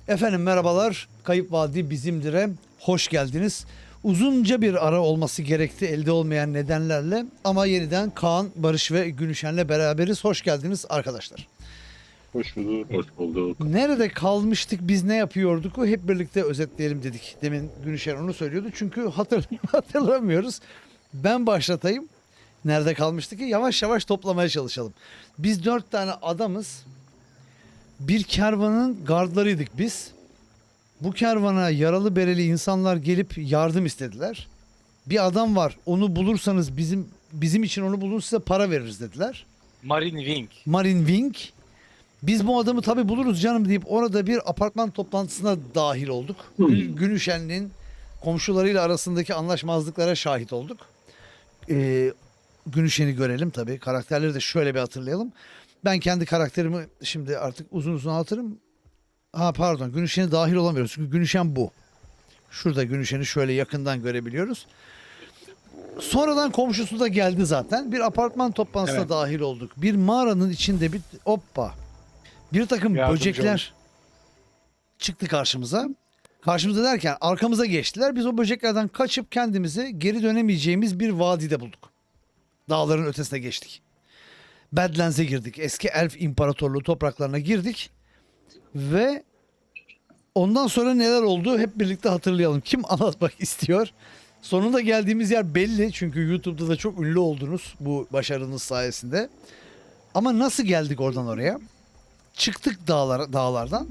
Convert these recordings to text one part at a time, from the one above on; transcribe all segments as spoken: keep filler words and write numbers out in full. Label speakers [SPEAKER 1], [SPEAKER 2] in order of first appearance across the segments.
[SPEAKER 1] Efendim merhabalar. Kayıp Vadi Bizimdir'e hoş geldiniz. Uzunca bir ara olması gerekti elde olmayan nedenlerle ama yeniden Kaan, Barış ve Günüşen'le beraberiz. Hoş geldiniz arkadaşlar.
[SPEAKER 2] Hoş bulduk.
[SPEAKER 3] Hoş bulduk.
[SPEAKER 1] Nerede kalmıştık, biz ne yapıyorduk? O hep birlikte özetleyelim dedik. Demin Günüşen onu söylüyordu çünkü hatır, hatırlamıyoruz. Ben başlatayım. Nerede kalmıştık ki? Yavaş yavaş toplamaya çalışalım. Biz dört tane adamız. Bir kervanın gardlarıydık biz. Bu kervana yaralı bereli insanlar gelip yardım istediler. Bir adam var, onu bulursanız bizim bizim için onu bulun, size para veririz dediler.
[SPEAKER 3] Marine Wing.
[SPEAKER 1] Marine Wing. Biz bu adamı tabi buluruz canım deyip orada bir apartman toplantısına dahil olduk. Gü- Günüşen'in komşularıyla arasındaki anlaşmazlıklara şahit olduk. Ee, Günüşen'i görelim tabi. Karakterleri de şöyle bir hatırlayalım. Ben kendi karakterimi şimdi artık uzun uzun anlatırım. Ha pardon, Günüşen'e dahil olamıyoruz. Çünkü Günüşen bu. Şurada Günüşen'i şöyle yakından görebiliyoruz. Sonradan komşusu da geldi zaten. Bir apartman toplantısına
[SPEAKER 3] Evet.
[SPEAKER 1] dahil olduk. Bir mağaranın içinde bir hoppa. Bir takım
[SPEAKER 3] Yardımcı
[SPEAKER 1] böcekler
[SPEAKER 3] olmuş.
[SPEAKER 1] çıktı karşımıza. Karşımıza derken arkamıza geçtiler. Biz o böceklerden kaçıp kendimizi geri dönemeyeceğimiz bir vadide bulduk. Dağların ötesine geçtik. Badlands'e girdik. Eski Elf İmparatorluğu topraklarına girdik. Ve ondan sonra neler oldu hep birlikte hatırlayalım. Kim anlatmak istiyor? Sonunda geldiğimiz yer belli. Çünkü YouTube'da da çok ünlü oldunuz bu başarınız sayesinde. Ama nasıl geldik oradan oraya? Çıktık dağlar, dağlardan.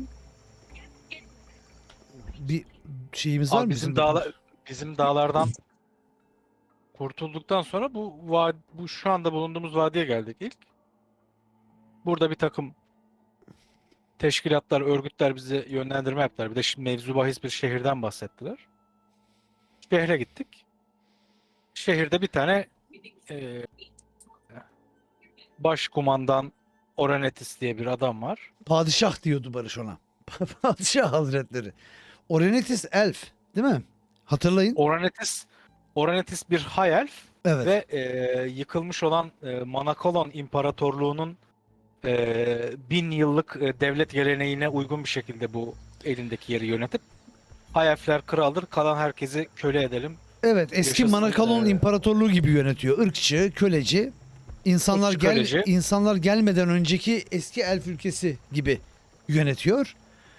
[SPEAKER 1] Bir şeyimiz var
[SPEAKER 3] Abi
[SPEAKER 1] mı?
[SPEAKER 3] bizim dağlar bizim dağlardan kurtulduktan sonra bu va- bu şu anda bulunduğumuz vadiye geldik ilk. Burada bir takım teşkilatlar, örgütler bize yönlendirme yaptılar. Bir de şimdi mevzu bahis bir şehirden bahsettiler. Şehre gittik. Şehirde bir tane e, başkumandan Oranetis diye bir adam var.
[SPEAKER 1] Padişah diyordu Barış ona. Padişah Hazretleri. Orenetis Elf değil mi? Hatırlayın.
[SPEAKER 3] Oranetis Oranetis bir high elf
[SPEAKER 1] Evet.
[SPEAKER 3] ve e, yıkılmış olan e, Manakolon İmparatorluğu'nun e, bin yıllık e, devlet geleneğine uygun bir şekilde bu elindeki yeri yönetip high elfler kraldır, kalan herkesi köle edelim.
[SPEAKER 1] Evet, eski
[SPEAKER 3] Yaşasın,
[SPEAKER 1] Manakalon
[SPEAKER 3] e,
[SPEAKER 1] İmparatorluğu gibi yönetiyor. Irkçı, köleci. İnsanlar
[SPEAKER 3] Irkçı,
[SPEAKER 1] gel
[SPEAKER 3] köleci.
[SPEAKER 1] insanlar gelmeden önceki eski elf ülkesi gibi yönetiyor.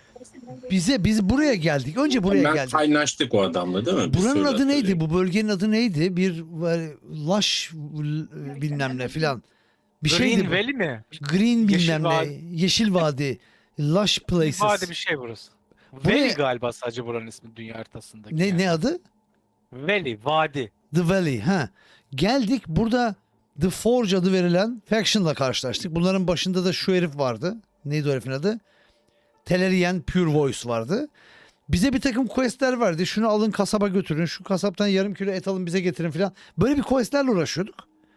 [SPEAKER 1] Bize biz buraya geldik. Önce buraya
[SPEAKER 2] Ben
[SPEAKER 1] geldik.
[SPEAKER 2] kaynaştık o adamla değil mi? Bir
[SPEAKER 1] Buranın
[SPEAKER 2] söyle
[SPEAKER 1] adı neydi?
[SPEAKER 2] hatırlayayım.
[SPEAKER 1] Bu bölgenin adı neydi? Bir böyle Laş bilmem ne filan. Bir
[SPEAKER 3] Green
[SPEAKER 1] şeydi bu.
[SPEAKER 3] Valley mi?
[SPEAKER 1] Green
[SPEAKER 3] Yeşil
[SPEAKER 1] bilmem ne.
[SPEAKER 3] Vadi.
[SPEAKER 1] Yeşil Vadi. Lush Places.
[SPEAKER 3] Vadi bir şey burası.
[SPEAKER 1] Buraya-
[SPEAKER 3] Valley galiba sadece buranın ismi dünya haritasındaki.
[SPEAKER 1] Ne
[SPEAKER 3] yani.
[SPEAKER 1] ne adı?
[SPEAKER 3] Valley, vadi.
[SPEAKER 1] The Valley. Ha. Geldik, burada The Forge adı verilen faction'la karşılaştık. Bunların başında da şu herif vardı. Neydi o herifin adı? Telerian Pure Voice vardı. Bize bir takım questler verdi. Şunu alın kasaba götürün. Şu kasaptan yarım kilo et alın bize getirin filan. Böyle bir questlerle uğraşıyorduk.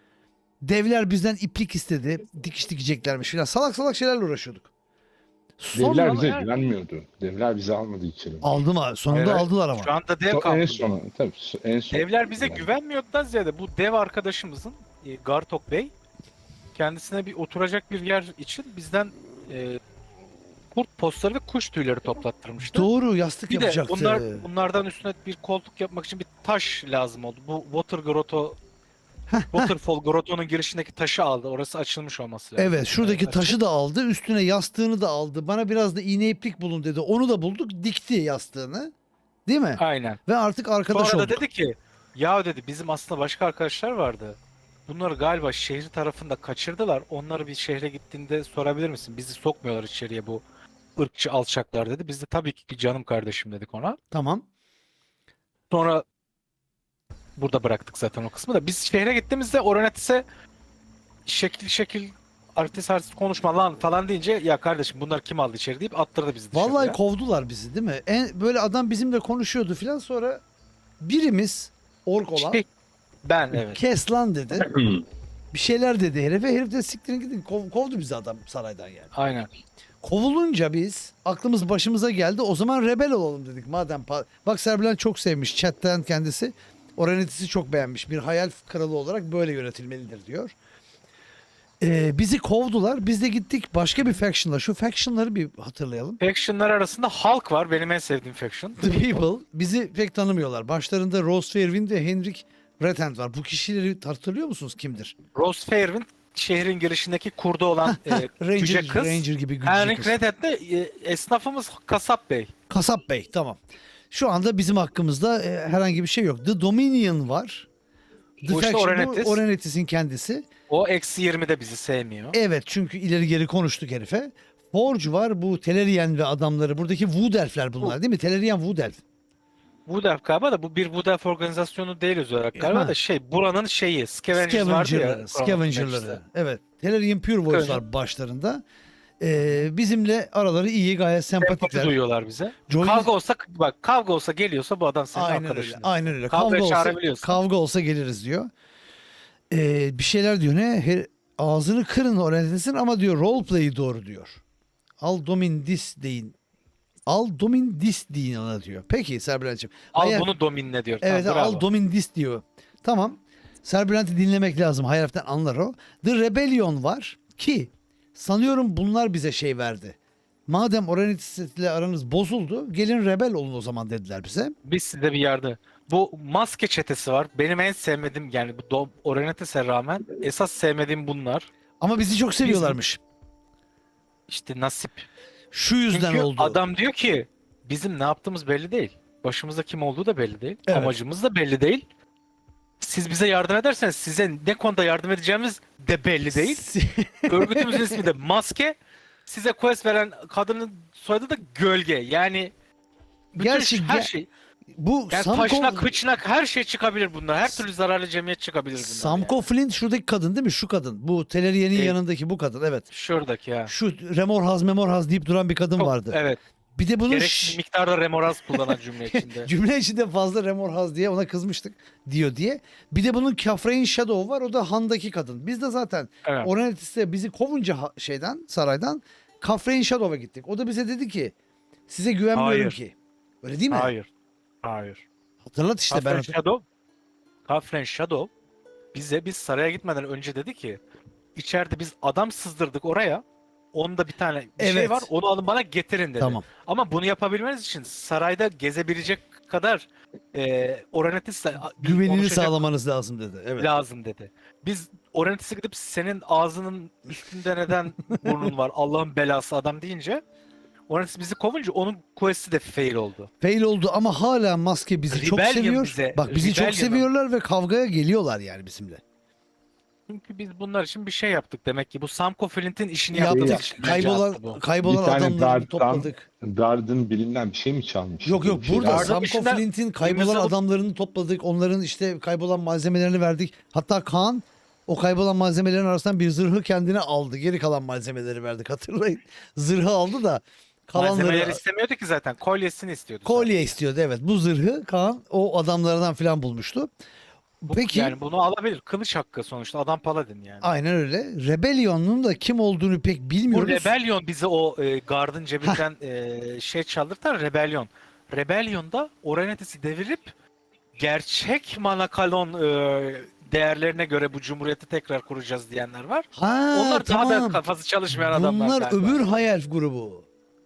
[SPEAKER 1] Devler bizden iplik istedi. Dikiş dikeceklermiş filan. Salak salak şeylerle uğraşıyorduk.
[SPEAKER 4] Devler
[SPEAKER 1] Sonra
[SPEAKER 4] bize
[SPEAKER 3] yani-
[SPEAKER 4] güvenmiyordu. Devler bizi almadı içeri.
[SPEAKER 1] aldım ha. Sonunda
[SPEAKER 3] Hayır,
[SPEAKER 1] aldılar ama.
[SPEAKER 3] Şu anda dev
[SPEAKER 4] So- en
[SPEAKER 3] kampında.
[SPEAKER 4] son, tabii en son.
[SPEAKER 3] Devler bize
[SPEAKER 4] Yani.
[SPEAKER 3] güvenmiyordan ziyade bu dev arkadaşımızın e, Gartok Bey kendisine bir oturacak bir yer için bizden e, kurt postları ve kuş tüyleri toplattırmıştı.
[SPEAKER 1] Doğru, yastık
[SPEAKER 3] Bir de
[SPEAKER 1] yapacaktı.
[SPEAKER 3] bunlar bunlardan üstüne bir koltuk yapmak için bir taş lazım oldu. Bu Water Grotto Waterfall Grotto'nun girişindeki taşı aldı. Orası açılmış olması lazım.
[SPEAKER 1] Evet, şuradaki
[SPEAKER 3] Evet,
[SPEAKER 1] taşı da aldı. Üstüne yastığını da aldı. Bana biraz da iğne iplik bulun dedi. Onu da bulduk. Dikti yastığını. Değil mi?
[SPEAKER 3] aynen.
[SPEAKER 1] Ve artık arkadaş
[SPEAKER 3] Sonra da
[SPEAKER 1] olduk.
[SPEAKER 3] dedi ki ya dedi bizim aslında başka arkadaşlar vardı. Bunları galiba şehir tarafında kaçırdılar. Onları bir şehre gittiğinde sorabilir misin? Bizi sokmuyorlar içeriye bu ırkçı alçaklar dedi. Biz de tabii ki canım kardeşim dedik ona.
[SPEAKER 1] Tamam.
[SPEAKER 3] Sonra burada bıraktık zaten o kısmı da. Biz şehre gittiğimizde Oranetis'e şekil şekil artist artist konuşma lan falan deyince ya kardeşim bunlar kim aldı içeri deyip attırdı bizi dışarıya.
[SPEAKER 1] Vallahi kovdular bizi değil mi? En, böyle adam bizimle konuşuyordu filan, sonra birimiz ork olan
[SPEAKER 3] Şey, ben evet.
[SPEAKER 1] kes lan dedi. Bir şeyler dedi herife. Herif de siktirin gidin. Kov- kovdu bizi adam saraydan yani.
[SPEAKER 3] Aynen.
[SPEAKER 1] Kovulunca biz aklımız başımıza geldi. O zaman rebel olalım dedik. Madem pa- bak Serbilen çok sevmiş chatten kendisi. Oranetis'i çok beğenmiş. Bir hayal kralı olarak böyle yönetilmelidir diyor. Ee, bizi kovdular. Biz de gittik başka bir faction'la. Şu faction'ları bir hatırlayalım.
[SPEAKER 3] Faction'lar arasında Hulk var. Benim en sevdiğim faction.
[SPEAKER 1] The People bizi pek tanımıyorlar. Başlarında Rose Fairwind ve Henrik Redhand var. Bu kişileri hatırlıyor musunuz kimdir?
[SPEAKER 3] Rose Fairwind şehrin girişindeki kurdu olan e,
[SPEAKER 1] Ranger,
[SPEAKER 3] cüce kız.
[SPEAKER 1] Ranger gibi güçlü
[SPEAKER 3] Henrik
[SPEAKER 1] kız.
[SPEAKER 3] Redhead de e, esnafımız Kasap Bey.
[SPEAKER 1] Kasap Bey, tamam. Şu anda bizim hakkımızda e, herhangi bir şey yok. The Dominion var. The
[SPEAKER 3] Bu işte
[SPEAKER 1] Faction,
[SPEAKER 3] Orenetis.
[SPEAKER 1] bu Orenetis'in kendisi.
[SPEAKER 3] O eksi yirmide bizi sevmiyor.
[SPEAKER 1] Evet, çünkü ileri geri konuştuk herife. Forge var, bu Telerian ve adamları. Buradaki Wood Elf'ler bunlar değil mi? Telerian Wood Elf.
[SPEAKER 3] Wood Elf galiba da bu bir Wood Elf organizasyonu değil öz olarak galiba
[SPEAKER 1] Ha.
[SPEAKER 3] da şey buranın şeyi Scavengers vardı
[SPEAKER 1] Scavenger'ları.
[SPEAKER 3] ya.
[SPEAKER 1] Scavenger'ları. Evet. Telerian Pure Voice
[SPEAKER 3] Scavenger.
[SPEAKER 1] var başlarında. Ee, bizimle araları iyi, gayet
[SPEAKER 3] Empati
[SPEAKER 1] sempatikler.
[SPEAKER 3] duyuyorlar bize.
[SPEAKER 1] Joy-
[SPEAKER 3] Kavga olsa bak kavga olsa geliyorsa bu adam senin
[SPEAKER 1] Aynen öyle.
[SPEAKER 3] arkadaşın.
[SPEAKER 1] Aynen öyle.
[SPEAKER 3] Kavgaya
[SPEAKER 1] Kavga olsa,
[SPEAKER 3] çağırabiliyorsun.
[SPEAKER 1] kavga olsa geliriz diyor. Ee, bir şeyler diyor ne? Her, ağzını kırın öğrenesin ama diyor roleplay'i doğru diyor. Al domin dis deyin. Al domin dis deyin ona diyor. Peki Serbülent'ciğim.
[SPEAKER 3] Al
[SPEAKER 1] Hayal-
[SPEAKER 3] bunu dominle diyor.
[SPEAKER 1] Evet,
[SPEAKER 3] Tamam,
[SPEAKER 1] al
[SPEAKER 3] bravo.
[SPEAKER 1] domin dis diyor. Tamam. Serbülent'i dinlemek lazım. Hayaliften anlar o. The Rebellion var ki sanıyorum bunlar bize şey verdi. Madem Orenetis ile aranız bozuldu, gelin rebel olun o zaman dediler bize.
[SPEAKER 3] Biz size bir yardım. Bu maske çetesi var. Benim en sevmediğim yani bu Do- Orenetes'e rağmen esas sevmediğim bunlar.
[SPEAKER 1] Ama bizi çok seviyorlarmış.
[SPEAKER 3] İşte nasip.
[SPEAKER 1] Şu yüzden
[SPEAKER 3] Çünkü
[SPEAKER 1] oldu.
[SPEAKER 3] adam diyor ki bizim ne yaptığımız belli değil. Başımızda kim olduğu da belli değil.
[SPEAKER 1] Evet.
[SPEAKER 3] Amacımız da belli değil. Siz bize yardım ederseniz size ne konuda yardım edeceğimiz de belli değil. Örgütümüzün ismi de Maske. Size quest veren kadının soyadı da Gölge. Yani bütün
[SPEAKER 1] Gerçi
[SPEAKER 3] her
[SPEAKER 1] ge-
[SPEAKER 3] şey.
[SPEAKER 1] Bu
[SPEAKER 3] Yani
[SPEAKER 1] Samko,
[SPEAKER 3] taşnak, kıçnak her şey çıkabilir bunlar. Her türlü zararlı cemiyet çıkabilir bunlar.
[SPEAKER 1] Samko
[SPEAKER 3] yani.
[SPEAKER 1] Flint şuradaki kadın değil mi? Şu kadın. Bu Telerian'in
[SPEAKER 3] Evet.
[SPEAKER 1] yanındaki bu kadın. Evet.
[SPEAKER 3] Şuradaki ya.
[SPEAKER 1] Şu Remorhaz Memorhaz deyip duran bir kadın
[SPEAKER 3] Çok-
[SPEAKER 1] vardı.
[SPEAKER 3] Evet.
[SPEAKER 1] Bir de bunun
[SPEAKER 3] Gereksiz miktarda remoraz kullanan cümle içinde.
[SPEAKER 1] cümle içinde fazla Remorhaz diye ona kızmıştık diyor diye. Bir de bunun Kafrain Shadow var. O da Han'daki kadın. Biz de zaten
[SPEAKER 3] Evet.
[SPEAKER 1] Orenetis'te bizi kovunca ha- şeyden saraydan Kafrain Shadow'a gittik. O da bize dedi ki size güvenmiyorum
[SPEAKER 3] Hayır.
[SPEAKER 1] ki. Öyle değil mi?
[SPEAKER 3] Hayır. Hayır.
[SPEAKER 1] Hatırlat işte ben.
[SPEAKER 3] Kafren
[SPEAKER 1] hatır-
[SPEAKER 3] Shadow, Kafren Shadow bize biz saraya gitmeden önce dedi ki içeride biz adam sızdırdık oraya. Onda bir tane bir şey
[SPEAKER 1] Evet.
[SPEAKER 3] var. Onu alın bana getirin dedi.
[SPEAKER 1] Tamam.
[SPEAKER 3] Ama bunu yapabilmeniz için sarayda gezebilecek kadar e, Orenetis'le
[SPEAKER 1] Güvenini
[SPEAKER 3] konuşacak
[SPEAKER 1] sağlamanız lazım dedi. Evet.
[SPEAKER 3] lazım dedi. Biz Orenetis'e gidip senin ağzının üstünde neden burnun var Allah'ın belası adam deyince Orenetis bizi kovunca onun quest'i de fail oldu.
[SPEAKER 1] Fail oldu ama hala maske bizi çok
[SPEAKER 3] Rebellion
[SPEAKER 1] seviyor.
[SPEAKER 3] bize-
[SPEAKER 1] Bak bizi çok
[SPEAKER 3] Rebellion'ın-
[SPEAKER 1] seviyorlar ve kavgaya geliyorlar yani bizimle.
[SPEAKER 3] Çünkü biz bunlar için bir şey yaptık demek ki. Bu Samko Flint'in işini
[SPEAKER 1] Yaptık.
[SPEAKER 3] yaptık. için bence attı
[SPEAKER 1] Kaybolan
[SPEAKER 3] bu.
[SPEAKER 1] kaybolan
[SPEAKER 4] Bir tane
[SPEAKER 1] adamları
[SPEAKER 4] Dark'tan-
[SPEAKER 1] topladık.
[SPEAKER 4] Guard'ın birinden bir şey mi çalmış?
[SPEAKER 1] Yok yok
[SPEAKER 4] Bir şey
[SPEAKER 1] burada
[SPEAKER 4] var.
[SPEAKER 3] Guard'ın
[SPEAKER 1] Samko
[SPEAKER 3] içinden
[SPEAKER 1] Flint'in kaybolan
[SPEAKER 3] kırmızı alıp-
[SPEAKER 1] adamlarını topladık. Onların işte kaybolan malzemelerini verdik. Hatta Kaan o kaybolan malzemelerin arasından bir zırhı kendine aldı. Geri kalan malzemeleri verdik hatırlayın. Zırhı aldı da
[SPEAKER 3] Malzemeleri
[SPEAKER 1] kalanları
[SPEAKER 3] istemiyordu ki zaten. Kolyesini istiyordu.
[SPEAKER 1] kolye istiyordu evet. Bu zırhı Kaan o adamlardan falan bulmuştu.
[SPEAKER 3] Bu-
[SPEAKER 1] Peki
[SPEAKER 3] Yani bunu alabilir. Kılıç hakkı sonuçta. Adam paladin yani.
[SPEAKER 1] aynen öyle. Rebellion'un da kim olduğunu pek
[SPEAKER 3] Bu
[SPEAKER 1] bilmiyoruz.
[SPEAKER 3] Rebellion bize o e, Guard'ın cebinden e, şey çaldırtar. Rebellion. Rebellion'da Orenetis'i devirip gerçek Manakalon e, değerlerine göre bu cumhuriyeti tekrar kuracağız diyenler var.
[SPEAKER 1] Ha
[SPEAKER 3] Onlar daha da
[SPEAKER 1] tamam.
[SPEAKER 3] kafası çalışmayan adamlar.
[SPEAKER 1] Bunlar
[SPEAKER 3] galiba.
[SPEAKER 1] öbür hayal grubu.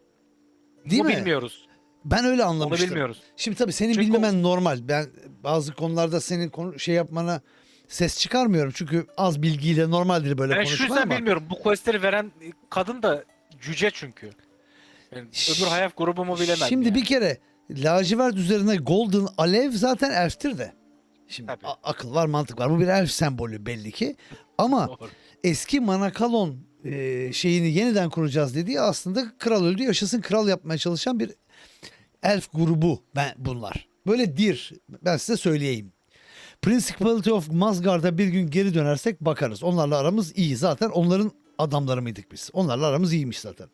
[SPEAKER 1] Değil
[SPEAKER 3] Bunu
[SPEAKER 1] mi?
[SPEAKER 3] bilmiyoruz.
[SPEAKER 1] Ben öyle
[SPEAKER 3] Onu
[SPEAKER 1] anlamıştım.
[SPEAKER 3] bilmiyoruz.
[SPEAKER 1] Şimdi tabii senin
[SPEAKER 3] Çünkü
[SPEAKER 1] bilmemen normal. Ben bazı konularda senin konu, şey yapmana ses çıkarmıyorum. Çünkü az bilgiyle normaldir böyle
[SPEAKER 3] Ben şu
[SPEAKER 1] konuşma
[SPEAKER 3] yüzden
[SPEAKER 1] ama.
[SPEAKER 3] bilmiyorum. Bu questleri veren kadın da cüce çünkü. Yani öbür hayaf grubumu bilemem.
[SPEAKER 1] Şimdi
[SPEAKER 3] yani.
[SPEAKER 1] bir kere lacivert üzerine golden alev zaten elftir de. Şimdi
[SPEAKER 3] Tabii.
[SPEAKER 1] a- akıl var mantık var. Bu bir elf sembolü belli ki. Ama
[SPEAKER 3] Doğru.
[SPEAKER 1] eski Manakalon e, şeyini yeniden kuracağız dediği aslında kral öldü yaşasın kral yapmaya çalışan bir elf grubu ben bunlar. Böyle dir. Ben size söyleyeyim. Principality of Masgard'a bir gün geri dönersek bakarız. Onlarla aramız iyi. Zaten onların adamları mıydık biz? Onlarla aramız iyiymiş zaten.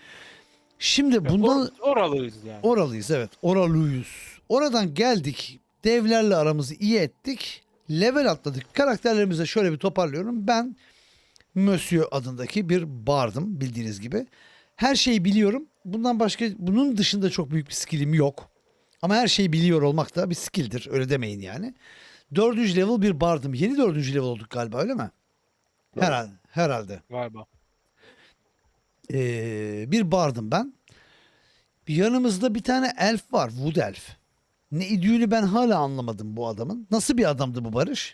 [SPEAKER 1] Şimdi bundan
[SPEAKER 3] Or- oralıyız yani.
[SPEAKER 1] oralıyız evet. Oralıyız. Oradan geldik. Devlerle aramızı iyi ettik. Level atladık. Karakterlerimizi şöyle bir toparlıyorum. Ben Monsieur adındaki bir bardım bildiğiniz gibi. Her şeyi biliyorum. Bundan başka bunun dışında çok büyük bir skillim yok. Ama her şeyi biliyor olmak da bir skilldir. Öyle demeyin yani. Dördüncü level bir bardım. Yeni dördüncü level olduk galiba öyle mi? Herhalde. herhalde.
[SPEAKER 3] Galiba.
[SPEAKER 1] Ee, bir bardım ben. Bir yanımızda bir tane elf var. Wood elf. Ne idüğünü ben hala anlamadım bu adamın. Nasıl bir adamdı bu Barış?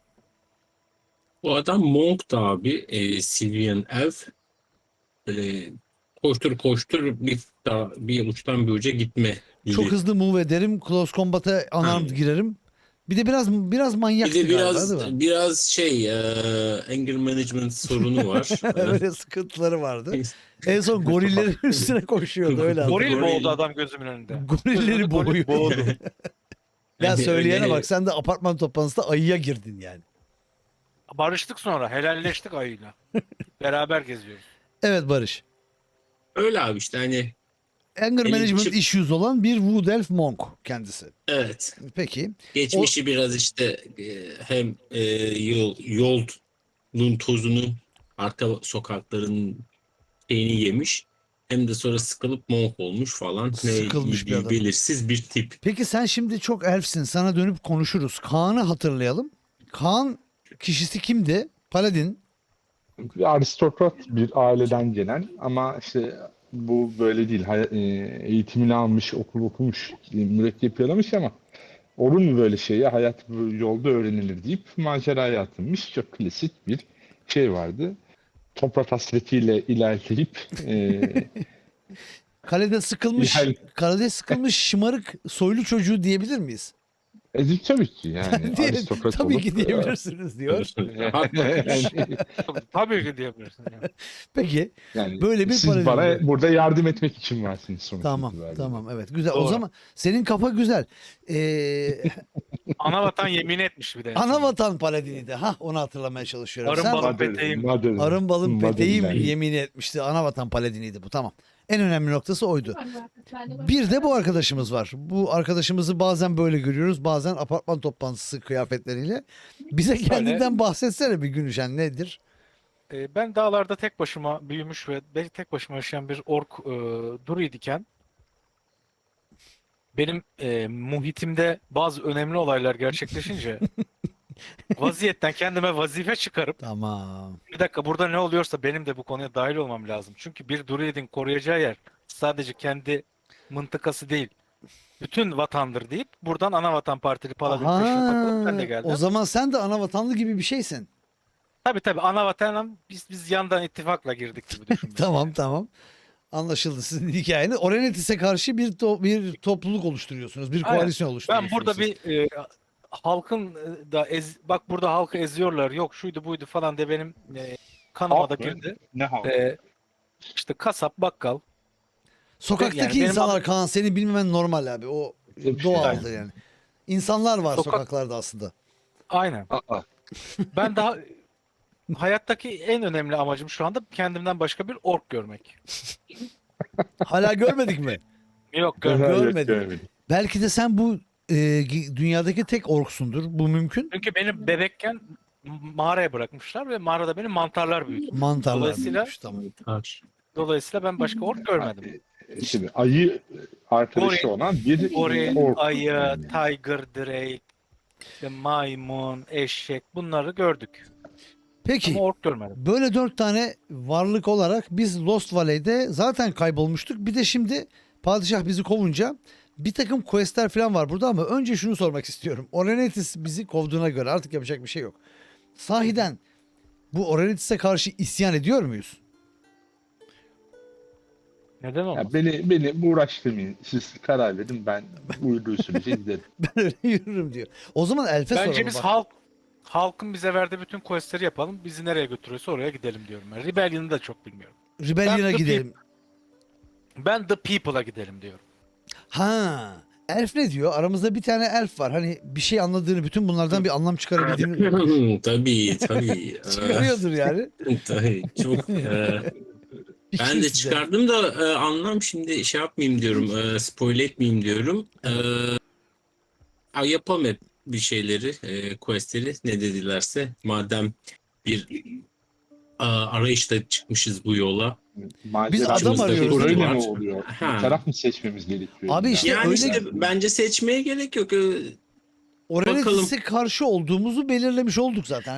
[SPEAKER 2] Bu adam Monk da abi. E, Sylvian Elf. Böyle koştur koştur bir, daha, bir uçtan bir uca gitme.
[SPEAKER 1] Çok
[SPEAKER 2] gibi.
[SPEAKER 1] hızlı move ederim. Close combat'a unarmed
[SPEAKER 2] Ha.
[SPEAKER 1] girerim. Bir de biraz biraz
[SPEAKER 2] Bir
[SPEAKER 1] manyaktı
[SPEAKER 2] de
[SPEAKER 1] galiba
[SPEAKER 2] biraz
[SPEAKER 1] değil mi?
[SPEAKER 2] biraz şey e, anger management sorunu var.
[SPEAKER 1] Öyle sıkıntıları vardı. En son gorillerin üstüne koşuyordu öyle.
[SPEAKER 2] Goril-
[SPEAKER 3] Goril
[SPEAKER 1] hatırlıyorum.
[SPEAKER 3] boğdu adam gözümün önünde.
[SPEAKER 1] Gorilleri
[SPEAKER 3] Gözümün önünde goril
[SPEAKER 1] boğuyor.
[SPEAKER 3] boğdu.
[SPEAKER 1] Ya
[SPEAKER 2] Yani
[SPEAKER 1] söyleyene
[SPEAKER 2] öyle-
[SPEAKER 1] bak, sen de apartman toplantısında ayıya girdin yani.
[SPEAKER 3] Barıştık sonra. Helalleştik ayıyla. Beraber geziyoruz.
[SPEAKER 1] Evet Barış.
[SPEAKER 2] Öyle abi işte hani
[SPEAKER 1] Anger
[SPEAKER 2] Elin
[SPEAKER 1] management
[SPEAKER 2] çık-
[SPEAKER 1] issues olan bir Wood elf monk kendisi.
[SPEAKER 2] evet.
[SPEAKER 1] Peki.
[SPEAKER 2] Geçmişi biraz işte e, hem e, yol yolun tozunu arka sokakların şeyini yemiş hem de sonra sıkılıp monk olmuş falan.
[SPEAKER 1] Sıkılmış
[SPEAKER 2] Ne,
[SPEAKER 1] bir adam.
[SPEAKER 2] belirsiz bir tip.
[SPEAKER 1] Peki sen şimdi çok elfsin. Sana dönüp konuşuruz. Kaan'ı hatırlayalım. Kaan kişisi kimdi? Paladin.
[SPEAKER 4] Bir aristokrat bir aileden gelen ama işte bu böyle değil. Hay- e, eğitimini almış, okul okumuş, e, mürekkep yalamış ama olur mu böyle şeyi? Hayat bu yolda öğrenilir deyip maceraya atılmış. Çok klasik bir şey vardı. Toprak hasretiyle ilerleyip e,
[SPEAKER 1] Kalede sıkılmış,
[SPEAKER 4] Yani-
[SPEAKER 1] kalede sıkılmış şımarık soylu çocuğu diyebilir miyiz?
[SPEAKER 4] e, tabii ki yani
[SPEAKER 1] Diyelim,
[SPEAKER 4] aristokrat
[SPEAKER 1] tabii
[SPEAKER 4] olup
[SPEAKER 1] ki diyebilirsiniz diyor.
[SPEAKER 2] Rahat bakmış.
[SPEAKER 4] yani,
[SPEAKER 3] Tabii ki diyebilirsin. Yani.
[SPEAKER 1] Peki.
[SPEAKER 4] yani
[SPEAKER 1] Böyle bir
[SPEAKER 4] siz
[SPEAKER 1] paladin
[SPEAKER 4] bana
[SPEAKER 1] oluyor.
[SPEAKER 4] burada yardım etmek için varsınız sonuç
[SPEAKER 1] Tamam,
[SPEAKER 4] itibariyle.
[SPEAKER 1] tamam, evet, güzel. O
[SPEAKER 3] Doğru.
[SPEAKER 1] zaman senin kafa güzel. Ee,
[SPEAKER 3] Ana vatan yemin etmiş bir de.
[SPEAKER 1] ana vatan paladini de. Hah, onu hatırlamaya çalışıyorum.
[SPEAKER 3] Arın
[SPEAKER 1] Sen
[SPEAKER 3] balık
[SPEAKER 4] Madem-
[SPEAKER 3] peteğim.
[SPEAKER 4] madem-
[SPEAKER 1] arın balın
[SPEAKER 4] madem
[SPEAKER 1] peteğim
[SPEAKER 4] yani.
[SPEAKER 1] yemin etmişti. Ana vatan paladiniydi bu. Tamam. En önemli noktası oydu. Bir de bu arkadaşımız var. Bu arkadaşımızı bazen böyle görüyoruz. Bazen apartman toplantısı kıyafetleriyle. Bize kendinden bahsetsene bir Günüşen, nedir?
[SPEAKER 3] Ee, ben dağlarda tek başıma büyümüş ve belki tek başıma yaşayan bir ork e, druid iken benim e, muhitimde bazı önemli olaylar gerçekleşince vaziyetten kendime vazife çıkarıp
[SPEAKER 1] Tamam.
[SPEAKER 3] bir dakika burada ne oluyorsa benim de bu konuya dahil olmam lazım. Çünkü bir druidin koruyacağı yer sadece kendi mıntıkası değil. Bütün vatandır deyip buradan ana vatan partili paladin peşine takılıp ben de
[SPEAKER 1] Aha,
[SPEAKER 3] geldim.
[SPEAKER 1] o zaman sen de ana vatanlı gibi bir şeysin.
[SPEAKER 3] Tabii tabii ana vatan biz biz yandan ittifakla girdik gibi düşün.
[SPEAKER 1] Tamam, tamam. Anlaşıldı sizin hikayeniz. Orenetis'e karşı bir to- bir topluluk oluşturuyorsunuz. Bir
[SPEAKER 3] Aynen.
[SPEAKER 1] koalisyon oluşturuyorsunuz.
[SPEAKER 3] Ben burada
[SPEAKER 1] siz.
[SPEAKER 3] bir e, halkın e, da ez, bak burada halkı eziyorlar yok şuydu buydu falan de benim e, kanıma da
[SPEAKER 4] Halk mı?
[SPEAKER 3] girdi.
[SPEAKER 4] Ne halk?
[SPEAKER 3] E, işte kasap, bakkal.
[SPEAKER 1] Sokaktaki
[SPEAKER 3] yani benim
[SPEAKER 1] insanlar
[SPEAKER 3] adım-
[SPEAKER 1] Kaan, seni bilmemen normal abi. O
[SPEAKER 4] Hep şey
[SPEAKER 1] doğaldır yani. İnsanlar var
[SPEAKER 3] Sokak-
[SPEAKER 1] sokaklarda aslında.
[SPEAKER 3] Aynen.
[SPEAKER 4] Aa,
[SPEAKER 3] Ben daha hayattaki en önemli amacım şu anda kendimden başka bir ork görmek.
[SPEAKER 1] Hala görmedik mi?
[SPEAKER 3] Yok görmek.
[SPEAKER 4] evet,
[SPEAKER 1] görmedim.
[SPEAKER 4] görmedim.
[SPEAKER 1] Belki de sen bu e, gi- dünyadaki tek orksundur. Bu mümkün.
[SPEAKER 3] Çünkü beni bebekken mağaraya bırakmışlar ve mağarada beni mantarlar büyütü.
[SPEAKER 1] Mantarlar.
[SPEAKER 3] Dolayısıyla-
[SPEAKER 1] büyümüş, tamam.
[SPEAKER 2] Taş.
[SPEAKER 3] Dolayısıyla ben başka ork görmedim.
[SPEAKER 4] E, Şimdi ayı arkadaşı
[SPEAKER 3] Goril-
[SPEAKER 4] olan bir
[SPEAKER 3] Goril,
[SPEAKER 4] ork.
[SPEAKER 3] ayı,
[SPEAKER 4] Yani.
[SPEAKER 3] tiger, drake, işte maymun, eşek bunları gördük.
[SPEAKER 1] Peki.
[SPEAKER 3] Ama ork görmedim.
[SPEAKER 1] Böyle dört tane varlık olarak biz Lost Valley'de zaten kaybolmuştuk. Bir de şimdi padişah bizi kovunca bir takım questler falan var burada ama önce şunu sormak istiyorum. Orenetis bizi kovduğuna göre artık yapacak bir şey yok. Sahiden bu Orenetis'e karşı isyan ediyor muyuz?
[SPEAKER 3] Neden olmaz?
[SPEAKER 4] Ya beni beni uğraştırmayın. Siz karar verin, ben uyduğu sürece giderim.
[SPEAKER 1] Ben öyle yürürüm diyor. O zaman Elf'e
[SPEAKER 3] Bence
[SPEAKER 1] soralım.
[SPEAKER 3] biz
[SPEAKER 1] bak.
[SPEAKER 3] halk halkın bize verdiği bütün questleri yapalım. Bizi nereye götürüyorsa oraya gidelim diyorum ben. Rebellion'ı da çok bilmiyorum.
[SPEAKER 1] Rebellion'a
[SPEAKER 3] Ben The
[SPEAKER 1] gidelim.
[SPEAKER 3] Ben The People'a gidelim diyorum.
[SPEAKER 1] Ha. Elf ne diyor? Aramızda bir tane elf var. Hani bir şey anladığını, bütün bunlardan bir anlam çıkarabildiğini
[SPEAKER 2] tabii tabii.
[SPEAKER 1] çıkarıyordur yani.
[SPEAKER 2] Ee, tabii çok. e,
[SPEAKER 1] Bir
[SPEAKER 2] ben de
[SPEAKER 1] kimse.
[SPEAKER 2] çıkardım da e, anlam şimdi şey yapmayayım diyorum. E, spoil etmeyeyim diyorum. E, a, yapalım hep bir şeyleri, e, questleri ne dedilerse. Madem bir a, arayışla çıkmışız bu yola.
[SPEAKER 4] Macera
[SPEAKER 1] adam
[SPEAKER 4] içimizde
[SPEAKER 1] arıyoruz,
[SPEAKER 4] Öyle
[SPEAKER 2] değil mi?
[SPEAKER 4] mi oluyor?
[SPEAKER 2] Ha.
[SPEAKER 4] Taraf mı seçmemiz gerekiyor?
[SPEAKER 1] Abi işte
[SPEAKER 2] Yani
[SPEAKER 1] öyle-
[SPEAKER 2] işte bence seçmeye gerek yok. E,
[SPEAKER 1] Orenetis'e karşı olduğumuzu belirlemiş olduk zaten. Hani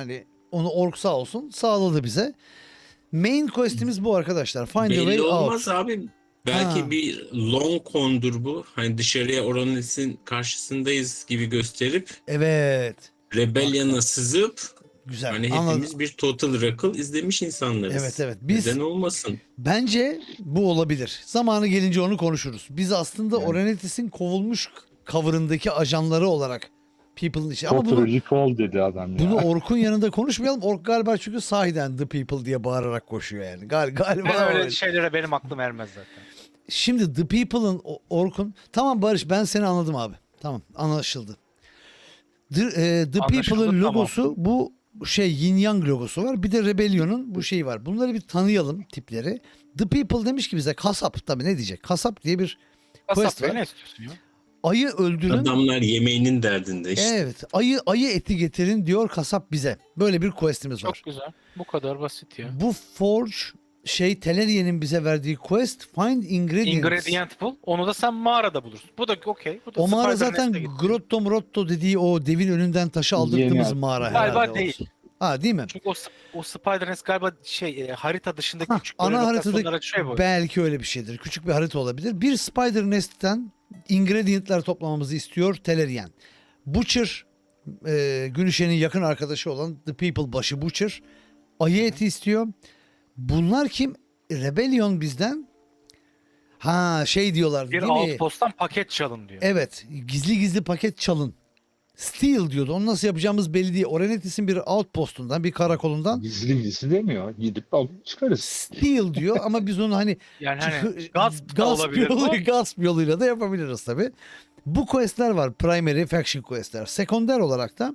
[SPEAKER 1] Onu ork sağ olsun sağladı bize. Main quest'imiz bu arkadaşlar. Find a way
[SPEAKER 2] Belli
[SPEAKER 1] out.
[SPEAKER 2] olmaz abi. Belki
[SPEAKER 1] Ha.
[SPEAKER 2] bir long con'dur bu. Hani dışarıya Oronet'in karşısındayız gibi gösterip
[SPEAKER 1] Evet.
[SPEAKER 2] Rebellion'a sızıp
[SPEAKER 1] Güzel.
[SPEAKER 2] hani
[SPEAKER 1] Anladım.
[SPEAKER 2] hepimiz bir Total Recall izlemiş insanlarız.
[SPEAKER 1] Evet, evet. Biz-
[SPEAKER 2] Neden olmasın?
[SPEAKER 1] Bence bu olabilir. Zamanı gelince onu konuşuruz. Biz aslında
[SPEAKER 4] Yani.
[SPEAKER 1] Orenetis'in kovulmuş cover'ındaki ajanları olarak People'ın işi. Ama
[SPEAKER 4] Total
[SPEAKER 1] bunu,
[SPEAKER 4] Recall dedi adam ya.
[SPEAKER 1] bunu Ork'un yanında konuşmayalım. Ork galiba çünkü sahiden The People diye bağırarak koşuyor yani. Gal galiba
[SPEAKER 3] Ben öyle
[SPEAKER 1] öyle.
[SPEAKER 3] şeylere benim aklım ermez zaten.
[SPEAKER 1] Şimdi The People'ın o- Ork'un... Tamam Barış, ben seni anladım abi. Tamam, anlaşıldı. The, e, The
[SPEAKER 3] Anlaşıldı,
[SPEAKER 1] People'ın
[SPEAKER 3] tamam.
[SPEAKER 1] logosu bu şey Yin Yang logosu var. Bir de Rebellion'un bu şeyi var. Bunları bir tanıyalım tipleri. The People demiş ki bize kasap, tabii ne diyecek? Kasap diye bir quest
[SPEAKER 3] Kasap Bey
[SPEAKER 1] var.
[SPEAKER 3] ne istiyorsun ya?
[SPEAKER 1] Ayı öldürün.
[SPEAKER 2] Adamlar yemeğinin derdinde işte.
[SPEAKER 1] Evet, ayı ayı eti getirin diyor kasap bize. Böyle bir quest'imiz var.
[SPEAKER 3] Çok güzel. Bu kadar basit ya.
[SPEAKER 1] Bu Forge şey Teleria'nın bize verdiği quest Find Ingredients.
[SPEAKER 3] Ingredient bul. Onu da sen mağarada bulursun. Bu da okey. Bu da
[SPEAKER 1] O mağara
[SPEAKER 3] Spider
[SPEAKER 1] zaten
[SPEAKER 3] Nest'e gitti.
[SPEAKER 1] Grotto Mrotto dediği o devin önünden taşı aldırdığımız
[SPEAKER 4] Yeni-
[SPEAKER 1] mağara herhalde.
[SPEAKER 3] Galiba
[SPEAKER 1] o.
[SPEAKER 3] değil.
[SPEAKER 1] Ha değil mi?
[SPEAKER 3] Çünkü o, o Spider Nest galiba şey e, harita dışındaki
[SPEAKER 1] Hah,
[SPEAKER 3] küçük
[SPEAKER 1] ana
[SPEAKER 3] böyle
[SPEAKER 1] haritada
[SPEAKER 3] lokasyonlara açıyor bu.
[SPEAKER 1] belki öyle bir şeydir. Küçük bir harita olabilir. Bir Spider Nest'ten ingredientler toplamamızı istiyor Telerian. Butcher, e, Günüşen'in yakın arkadaşı olan The People başı Butcher ayı eti istiyor. Bunlar kim? Rebellion bizden. Ha şey diyorlar
[SPEAKER 3] Bir
[SPEAKER 1] değil mi?
[SPEAKER 3] outpost'tan paket çalın diyor.
[SPEAKER 1] Evet, gizli gizli paket çalın. Steal diyordu. Onu nasıl yapacağımız belli değil. Orenetis'in bir outpostundan, bir karakolundan
[SPEAKER 4] Gizli gizli demiyor. Gidip alıp çıkarız.
[SPEAKER 1] steal diyor ama biz onu hani
[SPEAKER 3] Yani hani
[SPEAKER 1] çıkı-
[SPEAKER 3] gasp da
[SPEAKER 1] gasp,
[SPEAKER 3] olabilir bu.
[SPEAKER 1] yolu, gasp yoluyla da yapabiliriz tabi. Bu questler var. Primary faction questler. Sekonder olarak da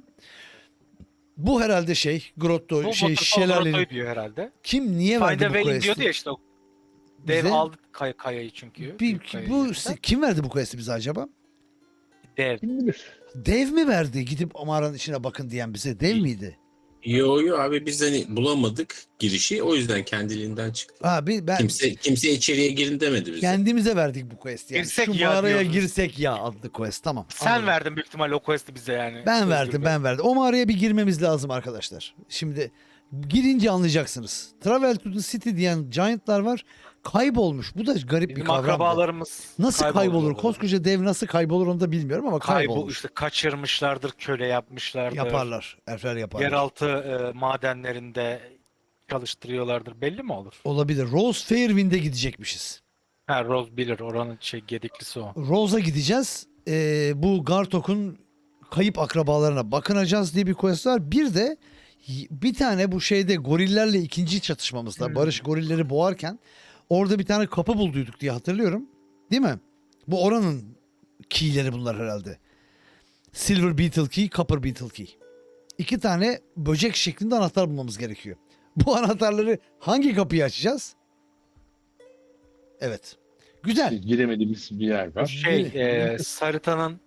[SPEAKER 1] bu herhalde şey Grotto
[SPEAKER 3] Bu
[SPEAKER 1] şey
[SPEAKER 3] Waterfall
[SPEAKER 1] şelalenin
[SPEAKER 3] Grotto'yu diyor herhalde.
[SPEAKER 1] kim niye
[SPEAKER 3] Find a
[SPEAKER 1] verdi bu
[SPEAKER 3] Way
[SPEAKER 1] quest'i?
[SPEAKER 3] diyordu ya işte o. Dev
[SPEAKER 1] Bize-
[SPEAKER 3] aldı kay kayayı çünkü.
[SPEAKER 1] Bir-
[SPEAKER 3] büyük kayayı
[SPEAKER 1] bu
[SPEAKER 3] elinden.
[SPEAKER 1] kim verdi bu quest'i bize acaba?
[SPEAKER 3] Dev.
[SPEAKER 4] Kim bilir.
[SPEAKER 1] Dev mi verdi? Gidip mağaranın içine bakın diyen bize. Dev miydi?
[SPEAKER 2] Yo yo abi biz hani bulamadık girişi. O yüzden kendiliğinden çıktı.
[SPEAKER 1] Abi ben
[SPEAKER 2] Kimse kimse içeriye girin demedi bize.
[SPEAKER 1] kendimize verdik bu quest'i. Yani.
[SPEAKER 3] Girsek
[SPEAKER 1] Şu
[SPEAKER 3] ya
[SPEAKER 1] mağaraya
[SPEAKER 3] diyorsunuz.
[SPEAKER 1] girsek ya adlı quest. Tamam.
[SPEAKER 3] Sen
[SPEAKER 1] anladım.
[SPEAKER 3] verdin büyük ihtimalle o quest'i bize yani.
[SPEAKER 1] Ben
[SPEAKER 3] Özgür
[SPEAKER 1] verdim,
[SPEAKER 3] Bey.
[SPEAKER 1] ben verdim. O mağaraya bir girmemiz lazım arkadaşlar. Şimdi girince anlayacaksınız. Travel to the City diyen giantlar var. Kaybolmuş. Bu da garip bir
[SPEAKER 3] Bizim
[SPEAKER 1] kavram.
[SPEAKER 3] akrabalarımız
[SPEAKER 1] Nasıl kaybolur?
[SPEAKER 3] kayboldular.
[SPEAKER 1] Koskoca dev nasıl kaybolur onu da bilmiyorum ama
[SPEAKER 3] Kaybol
[SPEAKER 1] kaybolmuş.
[SPEAKER 3] işte kaçırmışlardır, köle yapmışlardır.
[SPEAKER 1] Yaparlar. Elfler yaparlar.
[SPEAKER 3] Yeraltı e, madenlerinde çalıştırıyorlardır. Belli mi olur?
[SPEAKER 1] Olabilir. Rose Fairwind'e gidecekmişiz.
[SPEAKER 3] Ha Rose bilir. Oranın şey gediklisi o.
[SPEAKER 1] Rose'a gideceğiz. Ee, bu Gartok'un kayıp akrabalarına bakınacağız diye bir quest var. Bir de y- bir tane bu şeyde gorillerle ikinci çatışmamızda
[SPEAKER 3] Hmm.
[SPEAKER 1] Barış gorilleri boğarken orada bir tane kapı bulduyduk diye hatırlıyorum. Değil mi? Bu oranın keyleri bunlar herhalde. Silver Beetle Key, Copper Beetle Key. İki tane böcek şeklinde anahtar bulmamız gerekiyor. Bu anahtarları hangi kapıyı açacağız? Evet. Güzel.
[SPEAKER 4] Giremediğimiz bir yer var.
[SPEAKER 3] Şey
[SPEAKER 1] Bir-
[SPEAKER 3] e, Sarita'nın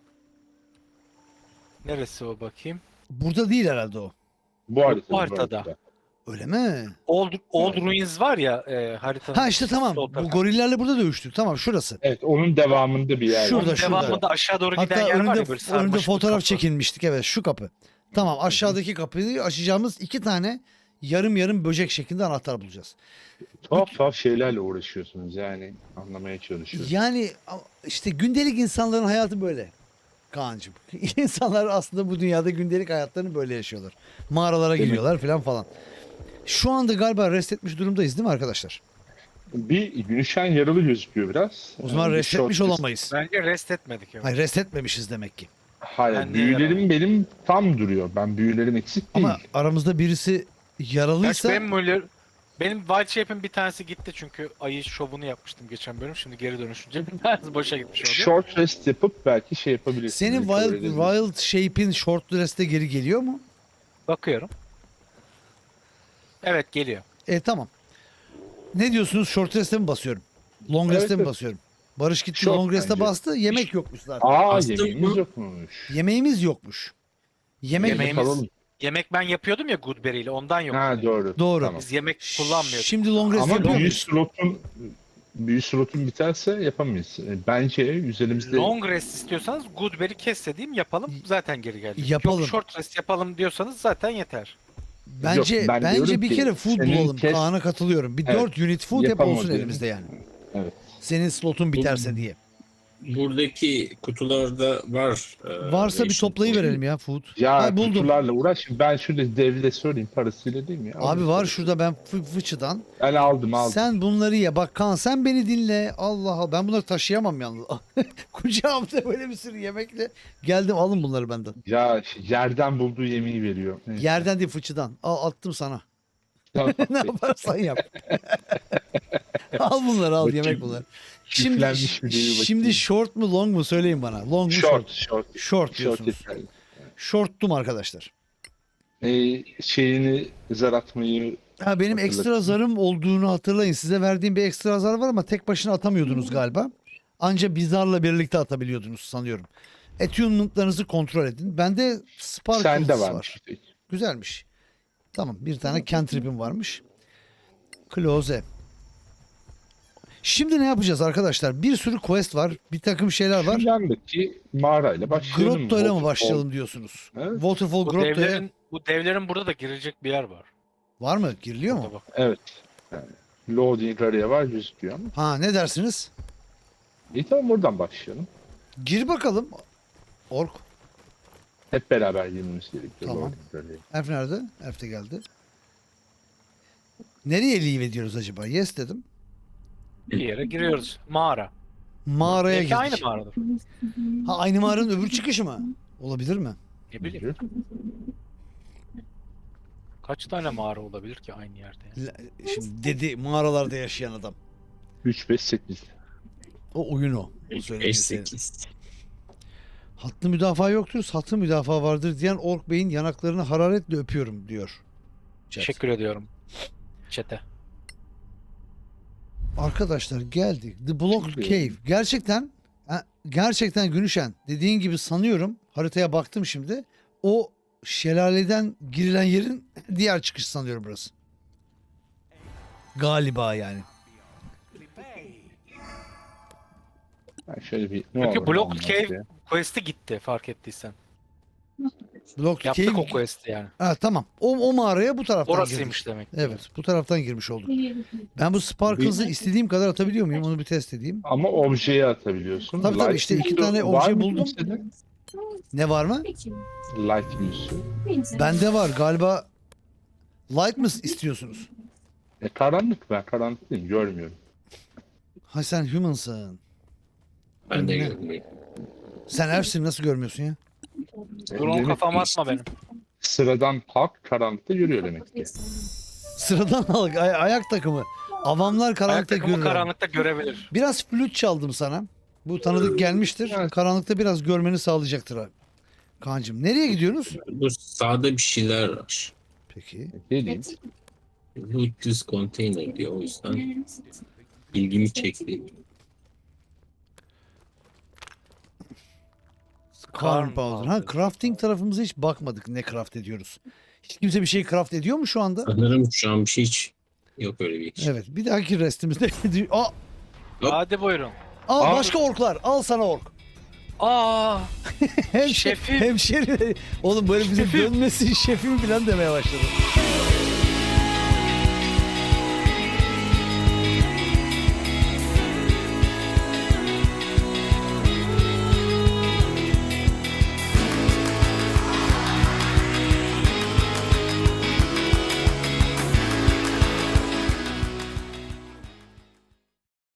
[SPEAKER 3] neresi o bakayım?
[SPEAKER 1] Burada değil herhalde o.
[SPEAKER 4] Bu haritada.
[SPEAKER 3] bu haritada.
[SPEAKER 1] Öyle mi?
[SPEAKER 3] Old, Old Ruins var ya e, haritanın.
[SPEAKER 1] Ha işte tamam.
[SPEAKER 3] sol
[SPEAKER 1] Bu
[SPEAKER 3] tarafı.
[SPEAKER 1] gorillerle burada dövüştük. Tamam şurası.
[SPEAKER 4] Evet, onun devamında bir yer
[SPEAKER 1] Şurada,
[SPEAKER 4] var.
[SPEAKER 1] şurada.
[SPEAKER 3] Devamında aşağı doğru giden
[SPEAKER 1] Hatta
[SPEAKER 3] yer var
[SPEAKER 1] önünde,
[SPEAKER 3] ya böyle
[SPEAKER 1] önünde
[SPEAKER 3] sarmaşık bir
[SPEAKER 1] fotoğraf
[SPEAKER 3] kapı.
[SPEAKER 1] çekilmiştik. Evet şu kapı. Tamam aşağıdaki kapıyı açacağımız iki tane yarım yarım böcek şeklinde anahtar bulacağız.
[SPEAKER 4] Tuhaf tuhaf şeylerle uğraşıyorsunuz yani. Anlamaya çalışıyorsunuz.
[SPEAKER 1] Yani işte gündelik insanların hayatı böyle. Kaan'cığım. İnsanlar aslında bu dünyada gündelik hayatlarını böyle yaşıyorlar. Mağaralara
[SPEAKER 4] Değil mi?
[SPEAKER 1] giriyorlar falan falan. Şu anda galiba rest etmiş durumdayız değil mi arkadaşlar?
[SPEAKER 4] Bir Günüşen yaralı gözüküyor biraz.
[SPEAKER 1] O zaman
[SPEAKER 4] Yani bir
[SPEAKER 1] rest etmiş
[SPEAKER 4] short-
[SPEAKER 1] olamayız.
[SPEAKER 3] Bence rest etmedik. Evet.
[SPEAKER 1] Hayır rest etmemişiz demek ki.
[SPEAKER 4] Hayır,
[SPEAKER 3] Ben de
[SPEAKER 4] büyülerim benim tam duruyor. Ben büyülerim eksik değil.
[SPEAKER 1] Ama aramızda birisi
[SPEAKER 3] Gerçi
[SPEAKER 1] yaralıysa
[SPEAKER 3] benim Müller, benim Wild Shape'in bir tanesi gitti çünkü ayı şovunu yapmıştım geçen bölüm. Şimdi geri dönüşünce bir tanesi boşa gitmiş oldu.
[SPEAKER 4] Short rest yapıp belki şey yapabilirsiniz.
[SPEAKER 1] senin
[SPEAKER 4] recover
[SPEAKER 1] Wild,
[SPEAKER 4] edebilirsiniz.
[SPEAKER 1] Wild Shape'in short rest'e geri geliyor mu?
[SPEAKER 3] Bakıyorum. Evet geliyor.
[SPEAKER 1] E tamam. Ne diyorsunuz? Short rest'e mi basıyorum? Long
[SPEAKER 4] Evet,
[SPEAKER 1] rest'e mi
[SPEAKER 4] evet.
[SPEAKER 1] basıyorum? Barış gitti
[SPEAKER 4] Short
[SPEAKER 1] long rest'e
[SPEAKER 4] bence.
[SPEAKER 1] bastı. Yemek yokmuş zaten.
[SPEAKER 4] Aa,
[SPEAKER 2] Bastın
[SPEAKER 4] yemeğimiz
[SPEAKER 2] mı?
[SPEAKER 4] yokmuş.
[SPEAKER 1] Yemeğimiz yokmuş. Yemek
[SPEAKER 3] Yemeğimiz-
[SPEAKER 4] Kalalım.
[SPEAKER 3] Yemek ben yapıyordum ya Goodberry ile ondan yok.
[SPEAKER 4] Ha doğru.
[SPEAKER 1] Doğru.
[SPEAKER 4] Tamam.
[SPEAKER 3] Biz yemek kullanmıyorduk.
[SPEAKER 1] Şimdi long rest
[SPEAKER 4] Ama
[SPEAKER 1] yapıyor
[SPEAKER 4] büyü
[SPEAKER 1] muyuz?
[SPEAKER 4] slotun büyü slotun biterse yapamayız. E, Bence üzerimizde
[SPEAKER 3] Long rest istiyorsanız Goodberry kes dediğim yapalım zaten geri geldi.
[SPEAKER 1] Yapalım.
[SPEAKER 3] Yok short rest yapalım diyorsanız zaten yeter.
[SPEAKER 1] Bence
[SPEAKER 4] Yok, ben
[SPEAKER 1] bence
[SPEAKER 4] diyorum
[SPEAKER 1] bir
[SPEAKER 4] ki,
[SPEAKER 1] kere food
[SPEAKER 4] senin
[SPEAKER 1] bulalım.
[SPEAKER 4] kes-
[SPEAKER 1] Kaan'a katılıyorum. Bir
[SPEAKER 4] Evet,
[SPEAKER 1] dört unit food hep
[SPEAKER 4] yapamadı
[SPEAKER 1] olsun
[SPEAKER 4] yani.
[SPEAKER 1] elimizde yani.
[SPEAKER 4] Evet.
[SPEAKER 1] Senin slotun biterse diye.
[SPEAKER 2] Buradaki kutularda var. e,
[SPEAKER 1] Varsa bir
[SPEAKER 2] ration
[SPEAKER 1] toplayıverelim ya food.
[SPEAKER 4] Ya
[SPEAKER 1] Ha, buldum.
[SPEAKER 4] kutularla uğraş. Ben şurada devre sorayım, parasıyla değil mi? Ya?
[SPEAKER 1] Abi
[SPEAKER 4] Alırız
[SPEAKER 1] var
[SPEAKER 4] parası.
[SPEAKER 1] şurada ben fı fıçıdan.
[SPEAKER 4] Ben aldım aldım.
[SPEAKER 1] Sen bunları ye. Bak Kaan sen beni dinle. Allah Allah. Ben bunları taşıyamam yalnız. Kucağımda böyle bir sürü yemekle. Geldim alın bunları benden.
[SPEAKER 4] Ya yerden bulduğu yemeği veriyor. Evet.
[SPEAKER 1] Yerden değil fıçıdan. Al attım sana.
[SPEAKER 4] Tamam.
[SPEAKER 1] Ne yaparsan yap. Al bunları al
[SPEAKER 4] Bakayım.
[SPEAKER 1] yemek bunlar. Şimdi
[SPEAKER 4] Çiftlenmiş mi diye bir
[SPEAKER 1] şimdi
[SPEAKER 4] bakayım.
[SPEAKER 1] short mu long mu söyleyin bana. Long mu
[SPEAKER 4] Short,
[SPEAKER 1] short?
[SPEAKER 4] short.
[SPEAKER 1] Short
[SPEAKER 4] Short
[SPEAKER 1] diyorsunuz.
[SPEAKER 4] yeterli.
[SPEAKER 1] Short'tum arkadaşlar.
[SPEAKER 4] Ee, şeyini zar atmayı
[SPEAKER 1] Ha benim
[SPEAKER 4] Hatırlatın.
[SPEAKER 1] ekstra zarım olduğunu hatırlayın. Size verdiğim bir ekstra zar var ama tek başına atamıyordunuz galiba. Anca bir zarla birlikte atabiliyordunuz sanıyorum. Attunement'larınızı kontrol edin. Bende Sparkles
[SPEAKER 4] sende
[SPEAKER 1] var.
[SPEAKER 4] varmış.
[SPEAKER 1] Güzelmiş. Tamam bir tane cantrip'im varmış. Close. Şimdi ne yapacağız arkadaşlar? Bir sürü quest var. Bir takım şeyler var.
[SPEAKER 4] Şu yandaki mağarayla başlayalım.
[SPEAKER 1] Grotto'yla mı
[SPEAKER 4] Waterfall.
[SPEAKER 1] başlayalım diyorsunuz?
[SPEAKER 4] Evet.
[SPEAKER 1] Waterfall
[SPEAKER 3] Bu
[SPEAKER 1] Grotto'ya
[SPEAKER 3] devlerin, bu devlerin burada da girecek bir yer var.
[SPEAKER 1] var mı? Giriliyor mu?
[SPEAKER 3] Burada bak.
[SPEAKER 4] Evet. Yani loading araya var gözüküyor ama.
[SPEAKER 1] Ha ne dersiniz?
[SPEAKER 4] İyi tamam oradan başlayalım.
[SPEAKER 1] Gir bakalım. Ork.
[SPEAKER 4] Hep beraber girmemiz gerekiyor.
[SPEAKER 1] Tamam.
[SPEAKER 4] loading araya.
[SPEAKER 1] Elf nerede? Elf de geldi. Nereye leave ediyoruz acaba? Yes dedim.
[SPEAKER 3] Bir yere giriyoruz. Mağara.
[SPEAKER 1] Mağaraya
[SPEAKER 3] Belki
[SPEAKER 1] girdik.
[SPEAKER 3] aynı mağaradır.
[SPEAKER 1] Ha aynı mağaranın öbür çıkışı mı? Olabilir mi?
[SPEAKER 3] Ne bileyim. Kaç tane mağara olabilir ki aynı yerde? yani?
[SPEAKER 1] La- Şimdi dedi mağaralarda yaşayan adam.
[SPEAKER 4] üç, beş, sekiz.
[SPEAKER 1] O oyun o. O söylediğin
[SPEAKER 2] beş
[SPEAKER 1] senin.
[SPEAKER 2] sekiz.
[SPEAKER 1] Hatlı müdafaa yoktur, satlı müdafaa vardır diyen Ork Bey'in yanaklarını hararetle öpüyorum diyor. Chat.
[SPEAKER 3] Teşekkür ediyorum. Çete.
[SPEAKER 1] Arkadaşlar geldik. The Blocked
[SPEAKER 4] Şimdi-
[SPEAKER 1] Cave. Gerçekten ha, gerçekten Günüşen dediğin gibi sanıyorum. Haritaya baktım şimdi. O şelaleden girilen yerin diğer çıkışı sanıyorum burası. Galiba yani.
[SPEAKER 4] Ben şöyle bir ne
[SPEAKER 3] Çünkü
[SPEAKER 4] olur
[SPEAKER 3] Block
[SPEAKER 4] olmaz
[SPEAKER 3] Cave
[SPEAKER 4] diye.
[SPEAKER 3] quest'i gitti fark ettiysen.
[SPEAKER 1] Blocked
[SPEAKER 3] Yaptık
[SPEAKER 1] Cave.
[SPEAKER 3] o quest'i yani.
[SPEAKER 1] Ha, tamam. O, o mağaraya bu taraftan
[SPEAKER 3] Orasıymış
[SPEAKER 1] girdik.
[SPEAKER 3] demek.
[SPEAKER 1] Evet, bu taraftan girmiş olduk. Ben bu Sparkles'ı istediğim kadar atabiliyor muyum? Onu bir test edeyim.
[SPEAKER 4] Ama objeye atabiliyorsun.
[SPEAKER 1] Tabii tabii,
[SPEAKER 4] Light
[SPEAKER 1] işte iki
[SPEAKER 4] Muse'u
[SPEAKER 1] tane
[SPEAKER 4] var
[SPEAKER 1] obje
[SPEAKER 4] mı
[SPEAKER 1] buldum.
[SPEAKER 4] kimsede?
[SPEAKER 1] Ne var mı?
[SPEAKER 4] Light Muse'u.
[SPEAKER 1] Bende var galiba. Light mı istiyorsunuz?
[SPEAKER 4] E karanlık ben karanlık değilim görmüyorum.
[SPEAKER 1] Ha sen humansın.
[SPEAKER 2] Ben de
[SPEAKER 1] Ne?
[SPEAKER 2] görmüyorum.
[SPEAKER 1] Sen elfsin nasıl görmüyorsun ya?
[SPEAKER 3] Dur onu
[SPEAKER 4] Demek
[SPEAKER 3] kafama
[SPEAKER 4] ki
[SPEAKER 3] atma benim.
[SPEAKER 4] Sıradan halk karanlıkta görüyor demek ki.
[SPEAKER 1] Sıradan halk ay- ayak takımı. Avamlar
[SPEAKER 3] Ayak
[SPEAKER 1] karanlıkta
[SPEAKER 3] takımı
[SPEAKER 1] görür.
[SPEAKER 3] karanlıkta görebilir.
[SPEAKER 1] Biraz flüt çaldım sana. Bu tanıdık gelmiştir.
[SPEAKER 4] Evet.
[SPEAKER 1] Karanlıkta biraz görmeni sağlayacaktır abi. Kaan'cığım nereye gidiyorsunuz?
[SPEAKER 2] Bu sağda bir şeyler var.
[SPEAKER 1] Peki.
[SPEAKER 4] Geleyim.
[SPEAKER 2] Lootless container diyor o yüzden ilgimi çekti.
[SPEAKER 1] Karn
[SPEAKER 3] Karn
[SPEAKER 1] powder. Ha
[SPEAKER 3] powder.
[SPEAKER 1] crafting tarafımıza hiç bakmadık ne craft ediyoruz. Hiç kimse bir şey craft ediyor mu şu anda?
[SPEAKER 2] Sanırım şu an bir şey hiç yok öyle bir şey.
[SPEAKER 1] Evet. Bir dahaki restimizde. Aa,
[SPEAKER 2] Hop.
[SPEAKER 3] Hadi buyurun.
[SPEAKER 1] aa
[SPEAKER 4] Aa.
[SPEAKER 1] başka orklar. Al sana ork.
[SPEAKER 3] Aa,
[SPEAKER 1] Hem
[SPEAKER 3] Şefim.
[SPEAKER 1] Hemşeri. Oğlum böyle bize
[SPEAKER 3] Şefim.
[SPEAKER 1] dönmesin şefim falan demeye başladı.